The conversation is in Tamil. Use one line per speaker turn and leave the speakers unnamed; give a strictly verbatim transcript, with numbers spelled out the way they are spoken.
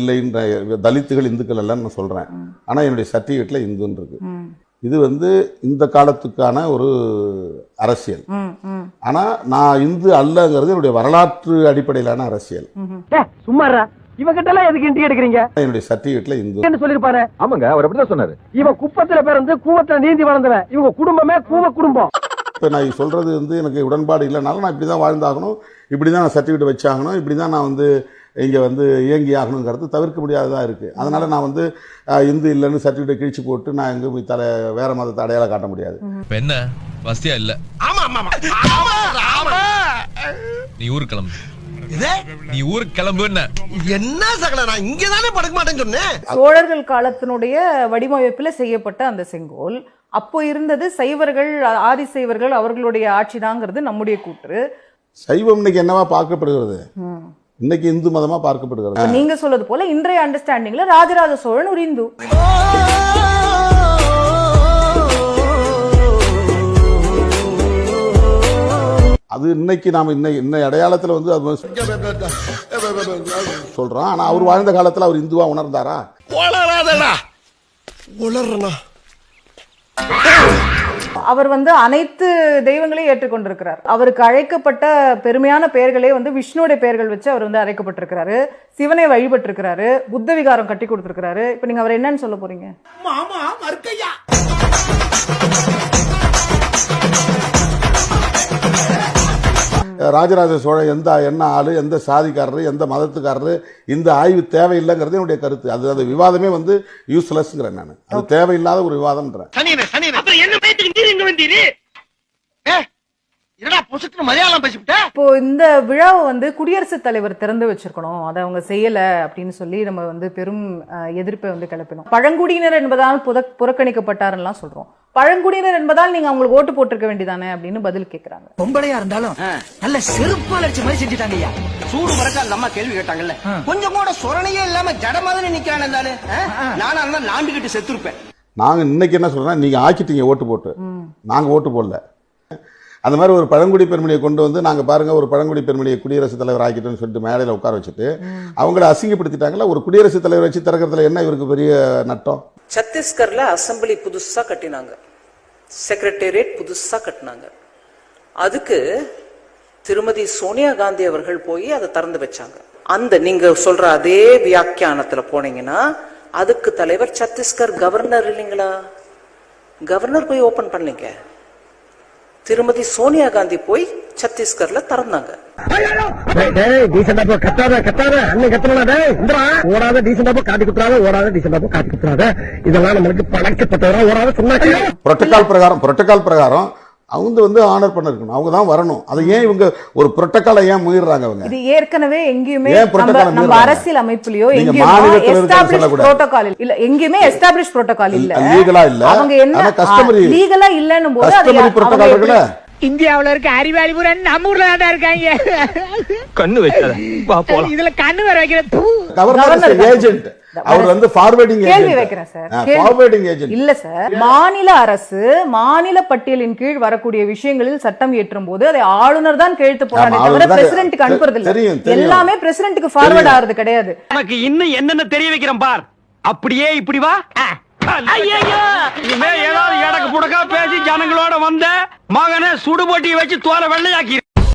இல்லைன்ற தலித்துகள் இந்துக்கள் எல்லாம் நான் சொல்றேன். ஆனா என்னுடைய சர்டிஃபிகேட்ல இந்துன்னு இருக்கு. இது வந்து இந்த காலத்துக்கான ஒரு அரசியல். ஆனா நான் இந்து அல்லங்கிறது என்னுடைய வரலாற்று அடிப்படையிலான அரசியல்.
சும்மாரா இவகிட்ட எல்லாம் எதுக்கு இன்டி எடுக்கிறீங்க?
என்னுடைய சர்டிஃபிகேட்ல இந்து
சொல்லிருப்பாரு.
ஆமாங்க, அவர் அப்படிதான் சொன்னாரு.
இவன் குப்பத்துல பிறந்து கூவத்துல நீந்தி வளர்ந்தவன். இவங்க குடும்பமே கூவ குடும்பம்.
இப்ப நான் சொல்றது வந்து எனக்கு உடன்பாடு இல்லைனாலும் நான் இப்படிதான் வாழ்ந்தாகணும், இப்படிதான் நான் சர்டிஃபிகேட் வச்சாகணும், இப்படிதான் நான் வந்து இங்க வந்து இயங்கி ஆகணுங்கிறது தவிர்க்க முடியாததான் இருக்கு. அதனால நான் வந்து இந்து இல்லைன்னு சர்டிஃபிகேட் கிழிச்சு போட்டு நான் எங்க போய் தலை வேற மதத்தை அடையாளம் காட்ட முடியாது.
என்ன வசதியா இல்ல? நீ ஊருக்கு கிளம்பு. நீ ஊருக்கு கிளம்பு.
என்ன சகல, நான் இங்கதானே படுக்க மாட்டேன்னு சொன்னேன்.
சோழர்கள் காலத்தினுடைய வடிவமைப்புல செய்யப்பட்ட அந்த செங்கோல் அப்போ இருந்தது சைவர்கள் ஆதி சைவர்கள் அவர்களுடைய ஆட்சிதாங்கிறது நம்முடைய கூற்று.
சைவம் இன்னைக்கு என்னவா பார்க்கப்படுகிறது? இன்னைக்கு இந்து மதமா பார்க்கப்படுகிறது.
நீங்க சொல்றது போல இன்றைய அண்டர்ஸ்டாண்டிங்ல ராஜராஜ சோழன் ஒரு இந்து.
அது இன்னைக்கு நாம இன்னை அடையாளத்துல வந்து அது சொல்றோம். ஆனா அவர் வாழ்ந்த காலத்துல அவர் இந்துவா உணர்ந்தாரா?
அவர் வந்து அனைத்து தெய்வங்களையும் ஏற்றுக்கொண்டிருக்கிறார். அவருக்கு அழைக்கப்பட்ட பெருமையான பெயர்களே வந்து விஷ்ணுடைய பெயர்கள் வச்சு அவர் வந்து அழைக்கப்பட்டிருக்கிறாரு. சிவனை வழிபட்டிருக்கிறாரு. புத்த விகாரம் கட்டி கொடுத்திருக்கிறாரு. இப்ப நீங்க அவர் என்னன்னு சொல்ல போறீங்க?
ராஜராஜ சோழன் எந்த என்ன ஆளு, எந்த சாதிக்காரரு, எந்த மதத்துக்காரரு, இந்த ஆய்வு தேவையில்லைங்கிறது என்னுடைய கருத்து. அது அந்த விவாதமே வந்து யூஸ்லெஸ்ங்கிறேன் நான். அது தேவையில்லாத ஒரு விவாதம்ன்றேன்.
இப்போ இந்த விழாவை வந்து குடியரசுத் தலைவர் திறந்து வச்சிருக்கணும், அதை அவங்க செய்யல அப்படின்னு சொல்லி நம்ம வந்து பெரும் எதிர்ப்பை வந்து கிளப்பினோம். பழங்குடியினர் என்பதால் புறக்கணிக்கப்பட்டாருன்னு சொல்றோம். பழங்குடியினர் என்பதால் நீங்க அவங்களுக்கு ஓட்டு போட்டிருக்க வேண்டியதானே அப்படின்னு பதில் கேட்கிறாங்க.
பொம்பளையா இருந்தாலும் நல்ல செருப்பால் அடிச்ச மாதிரி செஞ்சுட்டாங்க ஐயா. சூடு பறக்க அந்த அம்மா கேள்வி கேட்டாங்கல்ல, கொஞ்சம் கூட சொரணையே இல்லாம ஜடமாதிரி நிக்கிறான் இருந்தாலும் நானா இருந்தா லாண்டுகிட்டு செத்துருப்பேன்.
நாங்க இன்னைக்கு என்ன சொல்றோம், நீங்க ஆக்கிட்டீங்க ஓட்டு போட்டு, நாங்க ஓட்டு போடல. அந்த மாதிரி ஒரு பழங்குடி பெருமணியை கொண்டு வந்து நாங்க பாருங்க ஒரு பழங்குடி பெருமணியை குடியரசுத் தலைவர் ஆக்கிட்டோம்னு சொல்லிட்டு மேடையில உட்கார வச்சுட்டு அவங்கள அசிங்கப்படுத்திட்டாங்களா? ஒரு குடியரசுத் தலைவர் வச்சு திறக்கிறதுல என்ன இவருக்கு பெரிய நட்டம்?
சத்தீஸ்கர்ல அசம்பிளி புதுசா கட்டினாங்க, செக்ரட்டேரியட் புதுசா கட்டினாங்க. அதுக்கு திருமதி சோனியா காந்தி அவர்கள் போய் அதை திறந்து வச்சாங்க. அந்த நீங்க சொல்ற அதே வியாக்கியானத்துல போனீங்கன்னா அதுக்கு தலைவர் சத்தீஸ்கர் கவர்னர் இல்லைங்களா? கவர்னர் போய் ஓபன் பண்ணீங்க. திருமதி சோனியா காந்தி போய் சத்தீஸ்கர்ல திறந்தாங்க.
இதெல்லாம் நம்மளுக்கு பழக்கப்பட்டவரா ஓடாத சொன்னாங்க.
புரோட்டோகால் பிரகாரம் புரோட்டோகால் பிரகாரம் அவங்க வந்து ஆனர் பண்ண இருக்கணும், அவங்க தான் வரணும். அதை ஏன் இவங்க ஒரு புரோட்டோகாலை ஏன் மீறாங்க? அவங்க
இது ஏற்கனவே எங்கேயுமே நம்ம அரசியல் அமைப்புலயோ எங்கேயுமே எஸ்டாப்லிஷ் புரோட்டோகால் இல்ல, எங்கேயுமே எஸ்டாப்லிஷ் புரோட்டோகால் இல்ல, லீகலா இல்ல. அவங்க என்ன கஸ்டமரி லீகலா இல்லன்னும் போது அது புரோட்டோகால் இருக்குல.
இந்தியாவுல இருக்க அறிவாளி பூரா நம்ம ஊர்ல தான் இருக்காங்க.
கண்ணு வைக்காத வா போலாம்.
இதுல கண்ணு வர வைக்கிற
கவர்னர் ஏஜென்ட் அவர் வந்து ஃபார்வர்டிங்
கேள்வி வைக்கிறேன் சார்.
ஃபார்வர்டிங் ஏஜென்ட் இல்ல
சார். மாநில அரசு மாநில பட்டியலின் கீழ் வரக்கூடிய விஷயங்களில் சட்டம் இயற்றும் போது அதை ஆளுநர் தான் கையெழுத்து போறானே தவிர பிரசிடென்ட்க்கு அனுப்புறது இல்ல. எல்லாமே பிரசிடென்ட்க்கு ஃபார்வர்ட் ஆறது கிடையாது.
எனக்கு இன்னும் என்னென்ன தெரிய வைக்கிறேன் பார். அப்படியே இப்படி வா. ஏதாவது எடக்கு புடக்கா பேசி ஜனங்களோட வந்த மகனை சுடுபொட்டியை வச்சு தோலை வெள்ளையாக்கி